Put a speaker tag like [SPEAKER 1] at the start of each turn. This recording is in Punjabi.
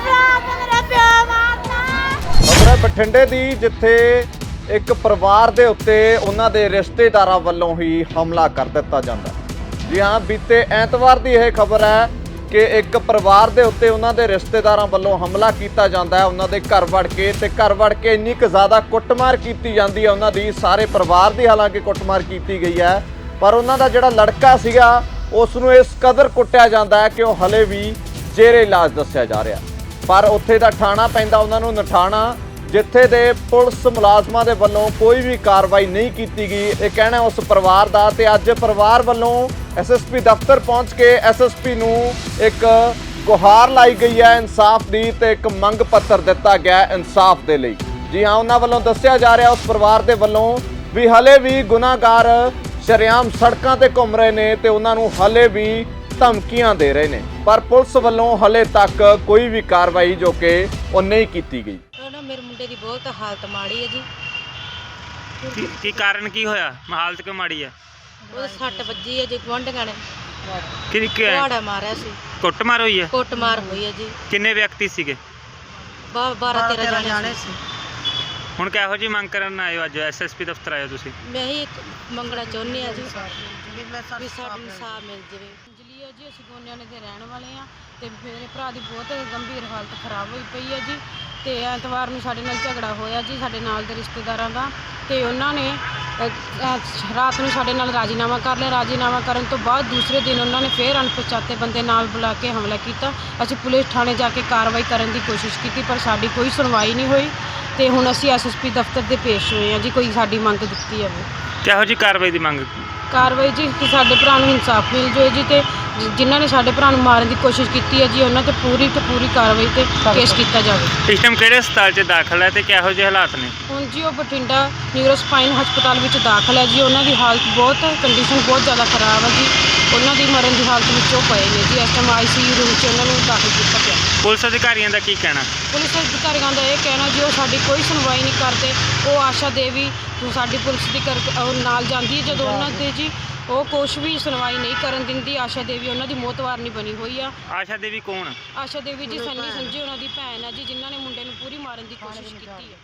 [SPEAKER 1] खबर है बठिंडे दी जिथे एक परिवार दे उत्ते उन्हां दे रिश्तेदारां वल्लों ही हमला कर दिता जांदा है। जी हाँ, बीते ऐतवार दी यह खबर है कि एक परिवार दे उत्ते उन्हां दे रिश्तेदारां वल्लों हमला कीता जांदा है। उन्हां दे घर वड़ के इन्नी क ज़्यादा कुੱਟਮਾਰ कीती जांदी है उन्हां दी, सारे परिवार दी हालांकि कुੱਟਮਾਰ कीती गई है, पर उन्हां दा जिहड़ा लड़का सीगा उस नूं इस कदर कुੱਟਿਆ ਜਾਂਦਾ है कि वह हले भी जेरे इलाज दस्सिया जा रहा। पर उत्थे दा ठाणा पैंदा उन्हां नूं नठाणा, जिथे दे पुलिस मुलाजमां दे वल्लों कोई भी कार्रवाई नहीं की गई। ये कहना उस परिवार दा ते अज परिवार वल्लों SSP दफ्तर पहुंच के SSP नूं एक गुहार लाई गई है इंसाफ दी ते एक मंग पत्र दिता गया इंसाफ दे लई। जी हाँ, उन्हां वल्लों दस्सिया जा रहा उस परिवार दे वल्लों भी हले भी गुनाहगार शरेआम सड़कां ते घूम रहे ने ते उन्हां नूं हले भी धमकियां दे रहे ने, पर पुलिस वल्लों हले तक कोई भी कार्रवाई जो कि वो नहीं की गई।
[SPEAKER 2] मेरे मुंडे की बहुत हालत माड़ी है जी।
[SPEAKER 3] की कारण की होया? हालत क्यों माड़ी है?
[SPEAKER 2] वो सट वजी है जी, गुआंढियां ने
[SPEAKER 3] कुहाड़ा
[SPEAKER 2] मारिया सी।
[SPEAKER 3] कुੱਟਮਾਰ हुई है?
[SPEAKER 2] कुੱਟਮਾर हुई है जी।
[SPEAKER 3] किन्ने व्यक्ति सीगे?
[SPEAKER 2] 12-13 जाने सी।
[SPEAKER 3] ਹੁਣ ਕਿਹੋ ਜੀ ਮੰਗ ਕਰਨ ਆਏ ਹੋ? ਅੱਜ SSP ਦਫ਼ਤਰ ਆਏ ਹੋ ਤੁਸੀਂ?
[SPEAKER 2] ਮੈਂ ਹੀ ਮੰਗਣਾ ਚਾਹੁੰਦੀ ਹਾਂ ਜੀ ਵੀ ਸਾਡਾ ਇਨਸਾਫ ਮਿਲ ਜਾਵੇ। ਅੰਜਲੀ ਹੈ ਜੀ, ਅਸੀਂ ਗੋਨਿਆਣੇ ਦੇ ਰਹਿਣ ਵਾਲੇ ਹਾਂ ਤੇ ਮੇਰੇ ਭਰਾ ਦੀ ਬਹੁਤ ਗੰਭੀਰ ਹਾਲਤ ਖਰਾਬ ਹੋਈ ਪਈ ਹੈ ਜੀ। ਤੇ ਐਤਵਾਰ ਨੂੰ ਸਾਡੇ ਨਾਲ ਝਗੜਾ ਹੋਇਆ ਜੀ ਸਾਡੇ ਨਾਲ ਦੇ ਰਿਸ਼ਤੇਦਾਰਾਂ ਦਾ, ਤੇ ਉਹਨਾਂ ਨੇ ਰਾਤ ਨੂੰ ਸਾਡੇ ਨਾਲ ਰਾਜੀਨਾਮਾ ਕਰ ਲਿਆ। ਰਾਜੀਨਾਮਾ ਕਰਨ ਤੋਂ ਬਾਅਦ ਦੂਸਰੇ ਦਿਨ ਉਹਨਾਂ ਨੇ ਫਿਰ ਅਣਪਛਾਤੇ ਬੰਦੇ ਨਾਲ ਬੁਲਾ ਕੇ ਹਮਲਾ ਕੀਤਾ। ਅਸੀਂ ਪੁਲਿਸ ਥਾਣੇ ਜਾ ਕੇ ਕਾਰਵਾਈ ਕਰਨ ਦੀ ਕੋਸ਼ਿਸ਼ ਕੀਤੀ, ਪਰ ਸਾਡੀ ਕੋਈ ਸੁਣਵਾਈ ਨਹੀਂ ਹੋਈ ਤੇ ਹੁਣ ਅਸੀਂ SSP ਦਫ਼ਤਰ ਦੇ ਪੇਸ਼ ਹੋਏ ਹਾਂ ਜੀ। ਕੋਈ ਸਾਡੀ ਮੰਗ ਦਿੱਤੀ ਜਾਵੇ।
[SPEAKER 3] ਕਿਹੋ ਜੀ ਕਾਰਵਾਈ ਦੀ ਮੰਗ?
[SPEAKER 2] ਕਾਰਵਾਈ ਜੀ ਕਿ ਸਾਡੇ ਭਰਾ ਨੂੰ ਇਨਸਾਫ ਮਿਲ ਜਾਵੇ ਜੀ, ਤੇ ਜਿਨ੍ਹਾਂ ਨੇ ਸਾਡੇ ਭਰਾ ਨੂੰ ਮਾਰਨ ਦੀ ਕੋਸ਼ਿਸ਼ ਕੀਤੀ ਹੈ ਜੀ ਉਹਨਾਂ ਤੇ ਪੂਰੀ ਕਾਰਵਾਈ ਤੇ ਕੇਸ ਕੀਤਾ ਜਾਵੇ।
[SPEAKER 3] ਇਸ ਟਾਈਮ ਕਿਹੜੇ ਹਸਪਤਾਲ 'ਚ ਦਾਖਲ ਹੈ ਤੇ ਕਿਹੋ ਜਿਹੇ ਹਾਲਾਤ ਨੇ? ਹੁਣ
[SPEAKER 2] ਜੀ ਉਹ ਬਠਿੰਡਾ ਨਿਊਰੋਸਪਾਈਨ ਹਸਪਤਾਲ ਵਿੱਚ ਦਾਖਲ ਹੈ ਜੀ। ਉਹਨਾਂ ਦੀ ਹਾਲਤ ਕੰਡੀਸ਼ਨ ਬਹੁਤ ਜ਼ਿਆਦਾ ਖਰਾਬ ਹੈ ਜੀ। ਉਹਨਾਂ ਦੀ ਮਰਨ ਦੀ ਹਾਲਤ ਵਿੱਚ ਉਹ ਪਏ ਨੇ ਜੀ। ਇਸ ਟਾਈਮ ICU ਰੂਮ 'ਚ ਉਹਨਾਂ ਨੂੰ ਦਾਖਲ ਕੀਤਾ ਪਿਆ।
[SPEAKER 3] ਪੁਲਿਸ ਅਧਿਕਾਰੀਆਂ ਦਾ ਕੀ ਕਹਿਣਾ?
[SPEAKER 2] ਪੁਲਿਸ ਅਧਿਕਾਰੀਆਂ ਦਾ ਇਹ ਕਹਿਣਾ ਜੀ ਉਹ ਸਾਡੀ ਕੋਈ ਸੁਣਵਾਈ ਨਹੀਂ ਕਰਦੇ। ਉਹ ਆਸ਼ਾ ਦੇਵੀ ਸਾਡੀ ਪੁਲਿਸ ਦੀ ਉਹ ਨਾਲ ਜਾਂਦੀ ਹੈ ਜਦੋਂ ਉਹਨਾਂ ਦੇ ਜੀ ਉਹ ਕੁਛ ਵੀ ਸੁਣਵਾਈ ਨਹੀਂ ਕਰਨ ਦਿੰਦੀ। ਆਸ਼ਾ ਦੇਵੀ ਉਹਨਾਂ ਦੀ ਮੋਹਤਵਾਰ ਨਹੀਂ ਬਣੀ ਹੋਈ ਆ।
[SPEAKER 3] ਆਸ਼ਾ ਦੇਵੀ ਕੌਣ?
[SPEAKER 2] ਆਸ਼ਾ ਦੇਵੀ ਜੀ ਸੰਨੀ ਸੰਜੀ ਉਹਨਾਂ ਦੀ ਭੈਣ ਆ ਜੀ, ਜਿਨ੍ਹਾਂ ਨੇ ਮੁੰਡੇ ਨੂੰ ਪੂਰੀ ਮਾਰਨ ਦੀ ਕੋਸ਼ਿਸ਼ ਕੀਤੀ ਹੈ।